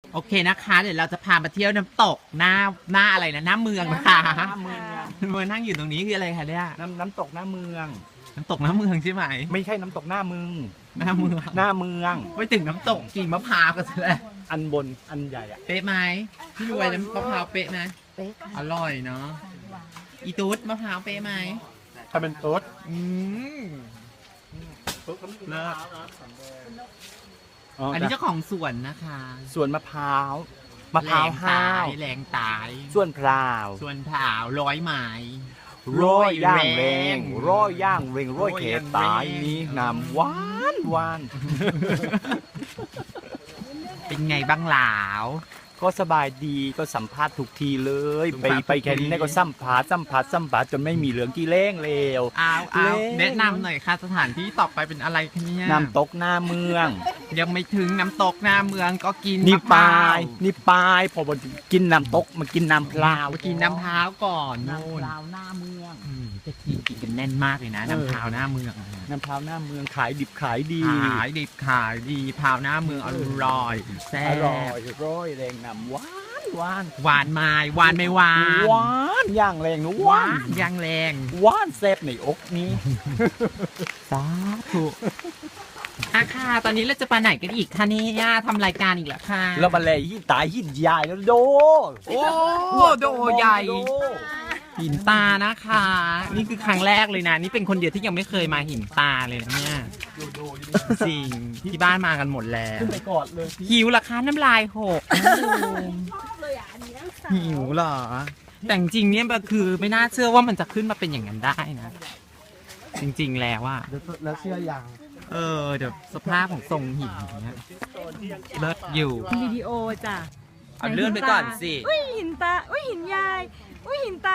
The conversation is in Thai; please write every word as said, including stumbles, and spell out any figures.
โอเคนะคะเดี๋ยวเราจะพามาเที่ยวน้ำตกหน้าหน้าอะไรนะหน้าเมืองนะคะหน้าเมืองเมืองนั่งอยู่ตรงนี้คืออะไรคะเนี่ยน้ำน้ำตกหน้าเมืองน้ำตกหน้าเมืองใช่ไหมไม่ใช่น้ำตกหน้ามึงหน้าเมืองหน้าเมืองไปถึงน้ำตกกิ่งมะพร้าวกันซะแล้วอันบนอันใหญ่อะเป๊ะไหมพี่รวยน้ำมะพร้าวเป๊ะไหมอร่อยเนาะอีตูดมะพร้าวเป๊ะไหมถ้าเป็นโต๊ดอืมเลิศอ๋ออันนี้เจ้าของสวนนะคะสวนมะพร้าวมะพร้าวห้าวแรงตายส่วนพร้าวส่วนผาวร้อยไม้ร้อยย่างเรงร้อยย่างเรงร้อยเขตตายนี่น้ำหวานหวานเป็นไงบ้างหลาวก็สบายดีก็สัมภาษณ์ทุกทีเลยสัมไปภาษณ์ไปแค่นี้ทุกทีก็สัมภาษณ์สัมภาษณ์สัมภาษณ์จนไม่มีเหลืองกี่เล้งเลวอ้าวอ้าวเล่นแนะนำหน่อยค่ะสถานที่ต่อไปเป็นอะไรคะเนี่ยน้ำตกหน้าเมืองยังไม่ถึงน้ำตกหน้าเมืองก็กินนี่มะพปร้ลายวนี่ปลายพอมากินน้ำตกมากินน้ำพลาวไปกินน้ำพร้าวก่อนน้ำนู่พนลาวหน้าเมืองอืมจะกินกินกันแน่นมากเลยนะเออน้ำพร้าวหน้าเมืองอะน้ำพลาวหน้าเมืองขายดิบขายดีขายดิบขายดีพร้าวหน้าเมืองอร่อยแซ่อร่อยบร้อยแรงน้ำหวานหวานหวานไม้หวานไม่หวานหวานย่างแรงนะหหวาวานนยังแรงหวานแซ่บในอกนี้สาธุอาค่ะตอนนี้เราจะไปไหนกันอีกคะเนี่ยทำรายการอีกแล้วค่ะแล้วมาเลยหินตายหินใหญ่แล้วโดโอ้โดใหญ่โดหินตานะคะ นี่คือครั้งแรกเลยนะ นี่เป็นคนเดียวที่ยังไม่เคยมาหินตาเลยนะเนี่ยจริงที่บ้านมากันหมดแล้วขึ้นไปกอดเลยพี่หิวเหรอคะน้ำลายหกหิวเหรอ แต่จริงๆเนี่ยมันคือไม่น่าเชื่อว่ามันจะขึ้นมาเป็นอย่างนั้นได้นะ จริงๆแล้วว่าแล้วเชื่อยังเออเดี๋ยวสภาพของทรงหินอย่างเงี้ยเลิศอยู่วิดีโอจ้ะเอาเลื่อนไปก่อนสิอุ้ยหินตา อุ้ยหินยาย อุ้ยหินตา